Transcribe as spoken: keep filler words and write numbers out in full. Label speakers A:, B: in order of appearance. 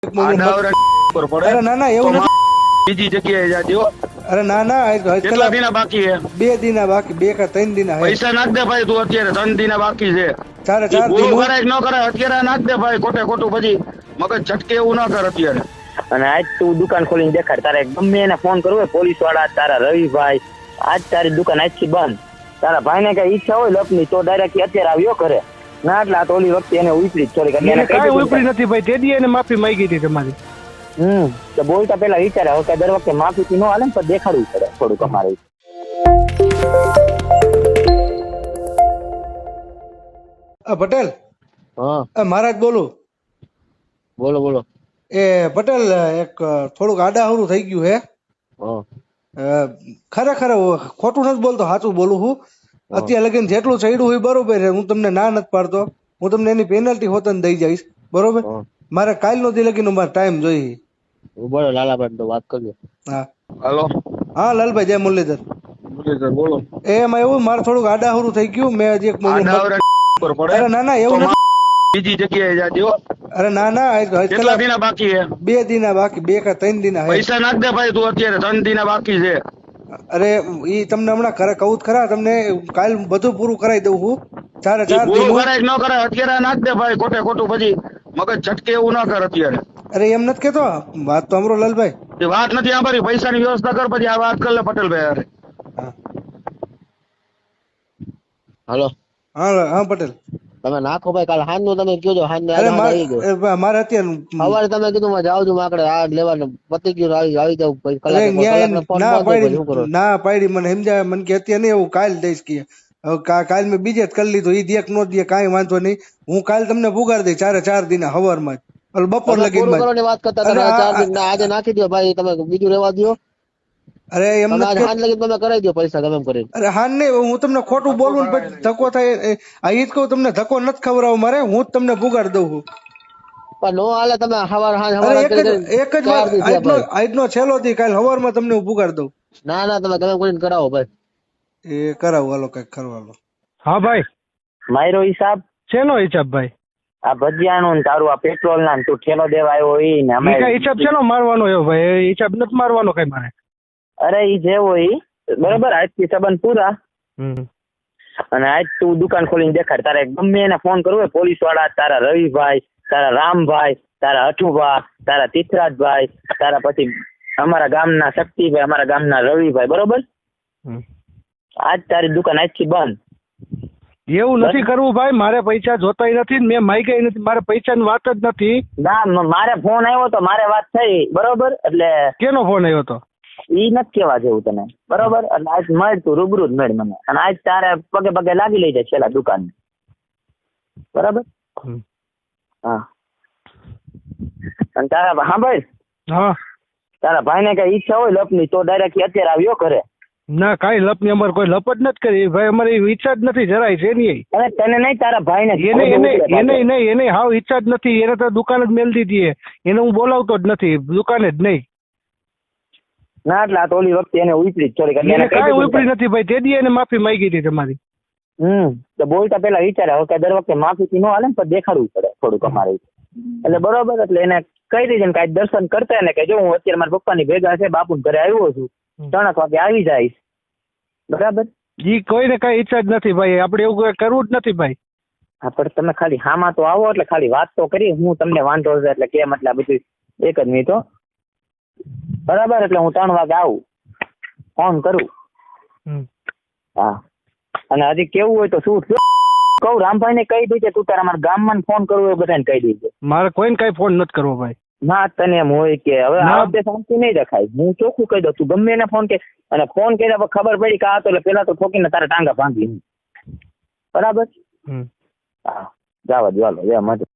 A: આ ડાવરા પર પડે
B: અરે ના ના એવું
A: તો
B: નથી.
A: બીજી જગ્યાએ જાજો.
B: અરે ના ના આજ- આજ
A: કેટલા
B: કલાક
A: દિના બાકી છે?
B: બે દિના બાકી બે કે ત્રણ દિના હે
A: પૈસા નાખ દે ભાઈ, તું અત્યારે ત્રણ દિના બાકી છે.
B: ચારે
A: ઈ
B: ચાર
A: પૂરું
B: દિન
A: કરાય કે ન કરાય અત્યારે નાખ દે ભાઈ, ખોટે ખોટું પછી મગજ છટકે એવું ના કર અત્યારે.
C: અને આજ તું દુકાન ખોલીને દેખાડ. તારે ગમે એને ફોન કરવો હોય, પોલીસ વાળા, તારા રવિભાઈ, આજ તારી દુકાન આજથી બંધ. તારા ભાઈને કઈ ઈચ્છા હોય લપની તો ડાયરેક્ટ અત્યારે આવ્યો કરે ના, એટલે આ તો ઓલી વખતે એને ઉતરી જ થોડીક એટલે એને કહી
D: કાંઈ
C: દીધું
D: ઉપરી
C: કે-
D: નથી ભાઈ, તે દી એને માફી માંગી હતી તમારી.
C: હમ તો બોલતા પેલા વિચારે. હવે કઈ દર વખતે માફી ન હાલે ને તો દેખાડવું પડે થોડુંક અમારે.
B: અ, પટેલ
C: હા
B: અ, મહારાજ બોલું.
C: બોલો બોલો.
B: એ પટેલ એક થોડુંક આડાહરું થઈ ગયું હે.
C: હા
B: અ, ખરેખર ખોટું નથી બોલતો, સાચું બોલું છું. અત્યારે લગીને જેટલું ચડ્યું હોય બરોબર છે, હું તમને ના નથી પાડતો. હું તમને એની પેનલ્ટી હોતન દઈ જઈશ બરોબર.
C: હા.
B: મારે કાલનો દી લગીનો મારે ટાઈમ જોઈએ.
C: બોલો લાલાભાઈ તો વાત કરજો.
B: હા
A: હાલો
B: હા લાલભાઈ જય મુરલીધર.
A: મુરલીધર બોલો.
B: એ એમાં એવું મારે થોડુંક આડાહરું થઈ ગયું. મેં હજી એક
A: આ
B: ઓલું મત-
A: ડાવરા પર પડે
B: અરે ના ના એવું
A: તો
B: નથી.
A: બીજી જગ્યાએ જાજો.
B: અરે ના ના આજ- આજ
A: કેટલા
B: કલાક
A: દિના બાકી છે?
B: બે દિના બાકી બે કે ત્રણ દિના હે
A: પૈસા નાખ દે ભાઈ, તું અત્યારે ત્રણ દિના બાકી છે.
B: અરે ઈ તમને હમણાં ખરે કહું જ ખરા, તમને કાલ બધું પૂરું કરાવી દઉં છું. ચારે
A: ઈ
B: ચાર
A: પૂરું
B: દિન
A: કરાય કે ન કરાય અત્યારે નાખ દે ભાઈ, ખોટે ખોટું પછી મગજ છટકે એવું ના કર અત્યારે.
B: અરે એમ નથી કેતો, વાત તો અમરો લાલભાઈ.
A: એ વાત નથી સાંભળી, પૈસાની વ્યવસ્થા કર પછી આ વાત કર લે પટેલભાઈ હારે.
B: હા
C: હાલો
B: હા હા પટેલ.
C: તમે નાખો ભાઈ, કાલ હાન નું તમે કયો હાન ને
B: અરે
C: આવી
B: મારે
C: ગયો.
B: એ મારે અત્યારે
C: સવારે તમે કીધું માં જાવ છું માકડે આ લેવાનું પતી ગયું આવી આવી જાવ પછી
B: અરે
C: કલાક
B: ન્યાય
C: કલાક ફોન
B: ના
C: બંધ પછી શું કરો?
B: પાડી ના પાડી મને સમજાય મને કે અત્યારે નહીં, હું કાલ દઈશ કે હવે કા- કાલ મેં બીજે જ કરી લીધું. ઈ દેખ નો દે કાંઈ વાંધો નહીં, હું કાલ તમને પુગાડી દઈશ ચારે ચાર દિના હવારમાં જ. ઓલું બપોર
C: તમે
B: લગીન
C: પૂરું
B: માં જ.
C: કરવાની વાત કરતા
B: અને
C: હતા ચાર
B: આ-
C: દિન ના આજે નાખી દો ભાઈ, તમે બીજું રહેવા દો.
B: અરે એમ
C: તમે
B: નથી
C: આજે
B: કે
C: હાન લગી તમે કરાવી દો પૈસા ગમે એમ કરીને.
B: અરે હા નહીં, હું તમને ખોટું બોલું ને પછી ધક્કો થાય. એ- આ ઈ જ કહું તમને ધક્કો નથી ખવડાવો મારે, હું જ તમને પુગાડી દઉં છું.
C: પણ નો હાલે તમે હવાર હાન
B: અરે
C: હવાર
B: એક
C: કરી
B: જ
C: કરી
B: એક જ
C: ચાર
B: વાર
C: દી થયા
B: આજનો
C: ભાઈ.
B: આજનો છેલ્લો દી, કાલ હવારમાં તમને હું પુગાડી દઉં.
C: ના ના તમે ગમે એમ કરીને કરાવો ભાઈ.
B: એ કરાવું હાલો કઈક કરવાનું.
D: હા ભાઈ,
C: મારો હિસાબ
D: શેનો હિસાબ ભાઈ?
C: આ ભજીયાનું ને તારું આ પેટ્રોલ ના ને તું ઠેલો દેવા આવ્યો ઈ ને અમે
D: ઈ કઈ હિસાબ શેનો મારવાનો એવો ભાઈ? એ હિસાબ નથી મારવાનો કઈ મારે.
C: અરે ઈ જેવો ઈ બરોબર. આજથી સંબંધ પૂરા.
D: હમ.
C: અને આજ તું દુકાન ખોલીને દેખાડ. તારે ગમે એને ફોન કરવો હોય, પોલીસ વાળા, તારા રવિભાઈ, તારા રામભાઈ, તારા અઠુભા, તારા તીથરાજભાઈ, તારા પછી અમારા ગામના શક્તિભાઈ, અમારા ગામના રવિભાઈ, બરોબર.
D: હમ.
C: આજ તારી દુકાન આજથી બંધ.
D: એવું નથી કરવું ભાઈ, મારે પૈસા જોતાય નથી ને મેં માગ્યા નથી, મારે પૈસાની વાત જ નથી.
C: ના મ- મારે ફોન આવ્યો તો મારે વાત થઈ બરોબર. એટલે
D: કેનો ફોન આવ્યો તો?
C: ઈ નથી કેવા જેવું તને બરોબર. એટલે આજ મળ તું રૂબરૂ જ મળ મને. અને આજ તારે પગે પગે લાગી લઈ જાય છેલ્લા દુકાન બરાબર.
D: હમ.
C: હા અને તારા હા ભાઈ
D: હા
C: તારા ભાઈને કઈ ઈચ્છા હોય લપની તો ડાયરેક્ટ અત્યારે આવ્યો કરે.
D: ના કાંઈ લપ ની અમારે કોઈ લપ જ નથી કરી ભાઈ, અમારી એવી ઈચ્છા જ નથી જરાય છે નહીં.
C: અને તને નહીં તારા ભાઈને
D: એને એને એને નહીં એને હાવ ઈચ્છા જ નથી. એને તો દુકાન જ મેલ દીધી છે. એને હું બોલાવતો જ નથી દુકાને જ નહીં.
C: ના એટલે આ તો ઓલી વખતે એને ઉતરી જ થોડીક એટલે
D: એને
C: એને કહી
D: કાંઈ
C: દીધું
D: ઉપરી
C: કે-
D: નથી ભાઈ, તે દી એને માફી માંગી હતી તમારી.
C: હમ તો બોલતા પેલા વિચારે. હવે કઈ દર વખતે માફી ન હાલે ને તો દેખાડવું પડે થોડુંક અમારે. એટલે બરોબર. એટલે એને કહી દીધું ને કાંઈ દર્શન કરતા ને કે જો હું અત્યારે મારા પપ્પાની ભેગા છે, બાપુ ઘરે આવ્યો છું, ત્રણેક વાગે આવી જઈશ બરાબર.
D: ઈ કોઈને કાંઈ ઈચ્છા જ નથી ભાઈ, આપણે એવું કઈ કરવું જ નથી ભાઈ.
C: હા પણ તમે ખાલી હામાં તો આવો એટલે ખાલી વાત તો કરી. હું તમને વાંધો છે એટલે કેમ એટલે આ બધું એક જ મિનિટ હો. બરાબર. એટલે હું ત્રણ વાગે આવું, ફોન કરું.
D: હમ.
C: હા અને હજી કેવું હોય તો શું કહું, રામભાઈ ને કહી દેજે તું તારા મારા ગામમાં ફોન કરવો હોય બધાને કહી દેજે.
D: મારે કોઈને કાંઈ ફોન નથી કરવો ભાઈ.
C: ના તને એમ હોય કે હવે
D: ના.
C: આ વખતે શાંતિ નહીં રખાય. હું ચોખ્ખું કહી દઉં તું ગમે એને ફોન કે અને ફોન કર્યા પછી ખબર પડી કે આ તો એટલે પેલા તો ઠોકીને તારા ટાંગા ભાંગી બરાબર.
D: હમ.
C: હા જવા દો હાલો જય મજા.